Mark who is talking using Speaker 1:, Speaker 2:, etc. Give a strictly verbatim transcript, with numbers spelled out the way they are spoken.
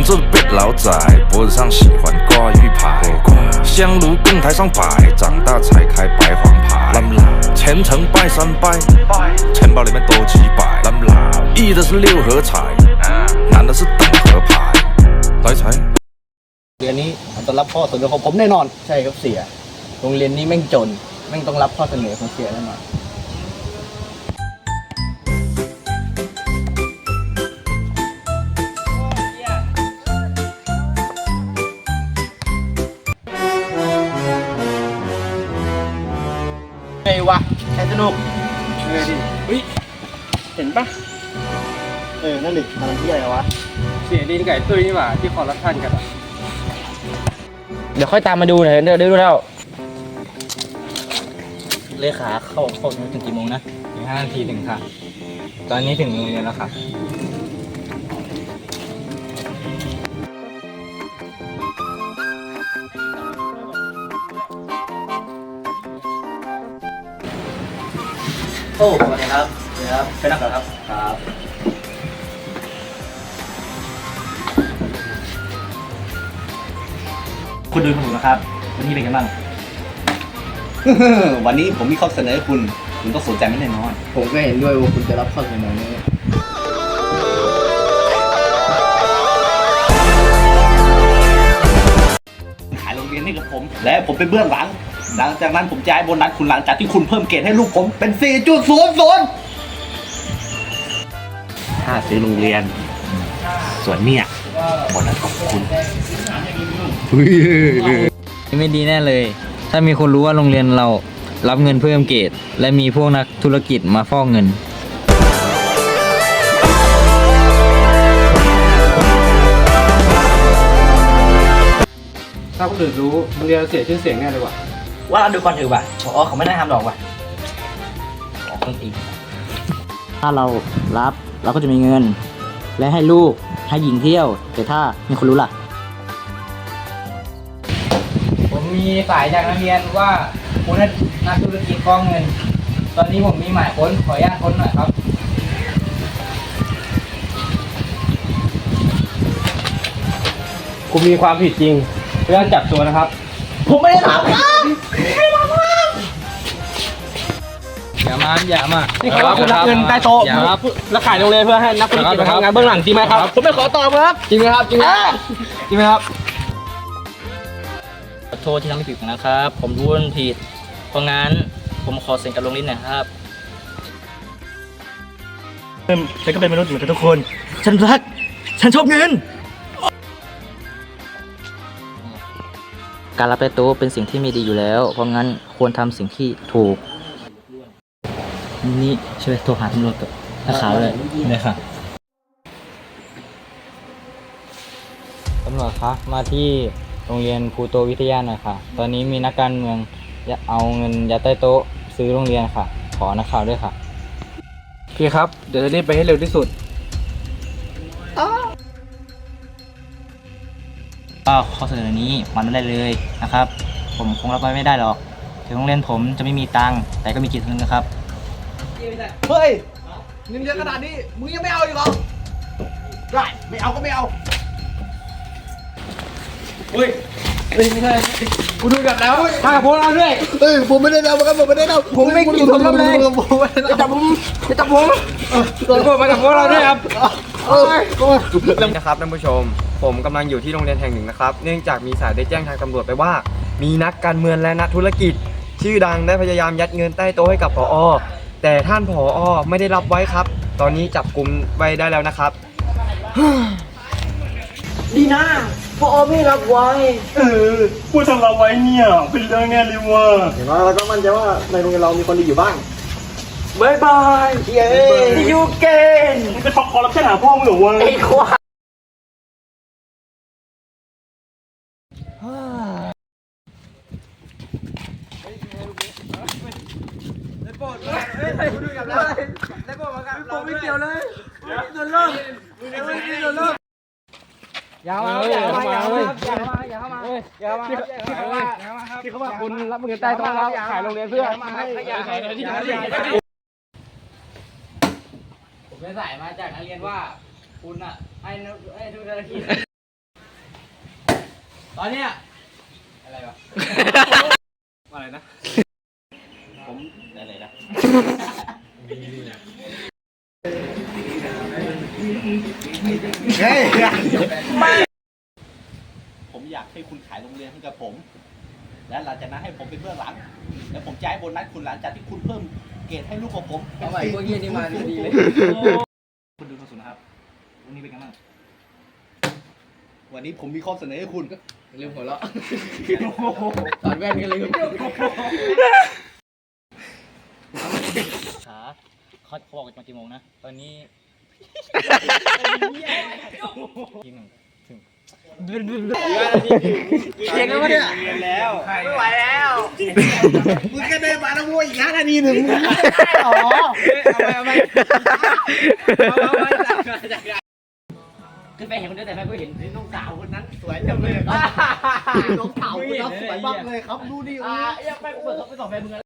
Speaker 1: 这别老窄，脖子上喜欢挂玉牌，香炉供台上摆，长大才开白黄牌。虔诚拜三拜，钱包里面多几百。一的是六合彩，男的是等合牌。来财。
Speaker 2: เรียนนี้ต้องรับข้อเสนอของผมแน่นอนใช่ครับเสียโรงเรียนนี้แม่งจนแม่งต้องรับข้อเสนอของเสียแน่นอนไงวะแค่สนุกเลยดิเฮ้ยเห็นปะเออนั่นดิทำที่อะไรวะเสียดินไก่ตุ้ยนี่หว่าที่คอร์รัปชันกันอ่ะเดี๋ยวค่อยตามมาดูหน่อยเดี๋ยวดูแล้วเลขาเข้าเข้าถึงกี่โมงนะถึงห้านาทีถึงค่ะตอนนี้ถึงโรงเรียนแล้วค่ะโอ้สวัสดีครับสวัสดีครับไปนั่งก่อนครับครับคุณดูถูกนะครับวันนี้เป็นไงบ้าง
Speaker 3: วันนี้ผมมีข้อเสนอให้คุณคุณต้องสนใจไม่แน่นอน
Speaker 2: ผมก็เห็นด้วยว่าคุณจะรับข้อเสนอนี้
Speaker 3: ขายโรงเรียนให้กับผมและผมเป็นเบื้องหลังหลังจากนั้นผมจะให้โบนัสคุณหลังจากที่คุณเพิ่มเกรดให้ลูกผมเป็น สี่จุดศูนย์ศูนย์ ถ้าซื้อโรงเรียนส่วนเนี่ยโบนัสของคุณ
Speaker 2: ไม่ดีแน่เลยถ้ามีคนรู้ว่าโรงเรียนเรารับเงินเพิ่มเกรดและมีพวกนักธุรกิจมาฟอกเงินถ้าคนอื่นรู้โรงเรียนเสียชื่อเสียงแน่เลยว่ะว่าเราดูก่อนเถอะว่ะผอเขาไม่ได้ทำหรอกว่ะขอเพิ่มอีกถ้าเรารับเราก็จะมีเงินและให้ลูกให้หญิงเที่ยวแต่ถ้ามีคนรู้ล่ะผมมีสายจากนักเรียนว่าคุณนักธุรกิจฟอกเงินตอนนี้ผมมีหมายค้นขออนุญาตค้นหน่อยครับคุณมีความผิดจริงเรื่องจับตัวนะครับผมไม่ได้ทำครับไม่ได้ทำครับอย่ามาอย่ามานี่เขาว่าคุณรับเงินใต้โต๊ะแล้วขายโรงเรียนเพื่อให้นักธุรกิจมาทำงานเบื้องหลังจริงไหมครับผมไม่ขอตอบครับจริงไหมครับจริงไหมจริงไหมครับขอโทษที่ทำให้ผิดนะครับผมรู้ว่าผิดเพราะงั้นผมขอเซ็นกับโรงเรียนหน่อยครับฉันก็เป็นมนุษย์เหมือนกันทุกคนฉันรักฉันชอบเงินการรับใต้โต๊ะเป็นสิ่งที่ไม่ดีอยู่แล้วเพราะงั้นควรทำสิ่งที่ถูกนี่ช่วยโทรหาตำรวจกับนักข่าวเลยเลยค่ะตำรวจคะมาที่โรงเรียนภูโตวิทยาหน่อยค่ะตอนนี้มีนักการเมืองเอาเงินยัดใต้โต๊ะซื้อโรงเรียนค่ะขอนักข่าวด้วยค่ะพี่ครับเดี๋ยวจะรีบไปให้เร็วที่สุดก็ข้อเสนอนี้มันไม่ได้เลยนะครับผมคงรับไว้ไม่ได้หรอกถึงโรงเรียนผมจะไม่มีตังค์แต่ก็มีจิตสำนึกนะครับเฮ้ยเงินเยอะขนาดนี้มึงยังไม่เอาอีกเหรอได้ไม่เอาก็ไม่เอาเฮ้ยไม่ใช่กูดูกับแล้วมากับพวกเราด้วยเอ้ยผมไม่ได้เอาครับผมไม่ได้เอาผมไม่กินผมเลยจะจับผมจะจับผมตัวผมมากับพวกเราด้วยครับ
Speaker 4: นะครับท่านผู้ชมผมกำลังอยู่ที่โรงเรียนแห่งหนึ่งนะครับเนื่องจากมีสายได้แจ้งทางตำรวจไปว่ามีนักการเมืองและนักธุรกิจชื่อดังได้พยายามยัดเงินใต้โต๊ะให้กับผอ.แต่ท่านผอ.ไม่ได้รับไว้ครับตอนนี้จับกุมไว้ได้แล้วนะครับ
Speaker 5: ดีนะผอ.ไม่รับไว้
Speaker 6: เออผู้ทำรับไว้เนี่ยเป็นเรื่องแน่เลยว่ะ
Speaker 2: อย่างน้อยเราก็มั่นใจว่าในโรงเรียนเรามีคนดีอยู่บ้าง
Speaker 5: บายบายเย้ยูเกน
Speaker 6: มึงจะช็อกคอร์รัปชันหาพ่อมึงเหรอวะ
Speaker 5: ไอ้ควายผมไม่เกี่ยวเลยโดนเลิกโดนเลิกอย่ามาอย่ามาอย่ามาอย่ามาอย่ามาอย่ามาที่เขาว่าที่เขาว่าคุณรับเงินใต้โต๊ะแล้วขายโรงเรียนเพื่อผมได้สายมาจากนักเรียนว่าคุณอ่ะให้ให้ทุกธุรกิจ
Speaker 2: ตอนเนี้ย
Speaker 5: อะไรวะ อะไรนะ
Speaker 3: ผมอะไรนะเฮ้ยผมอยากให้คุณขายโรงเรียนให้กับผม และหลังจากนั้นให้ผมเป็นเบื้องหลัง แล้วผมจะให้โบนัสคุณหลังจากที่คุณเพิ่มเกรดให้ลูกของผม
Speaker 5: เอาใหม่พวกเหี้ยนี่มาดีเลย
Speaker 2: คุณดูคนสุดนะครับวันนี้เป็นไงบ้าง
Speaker 3: วันนี้ผมมีข้อเสนอให้คุณ
Speaker 5: ลืมหัวเราะถอดแว่นกันลืม
Speaker 2: ขาเขาเขาบอกมากี่โมงนะ ตอนนี้ยิงหนึ่งถึงเก่งแล้ววะเนี่ย
Speaker 3: เรียนแล้ว
Speaker 2: ไม่ไหวแล้ว
Speaker 3: มึงก็เดินมาแล้วโว้ยอีกห้านาทีหนึ่ง
Speaker 2: อ๋อ
Speaker 5: เอาไปเอาไป
Speaker 2: ขึ้นไปเห็นคนเดียวแต่ไม่เห็น
Speaker 3: น้องสาวคนนั้นสวยจังเลยน้องสาวคนนั้นสวยมากเลยครับดูดิ
Speaker 2: อ่ายังไปเปิดเขาไปสองแฟนมึงแล้ว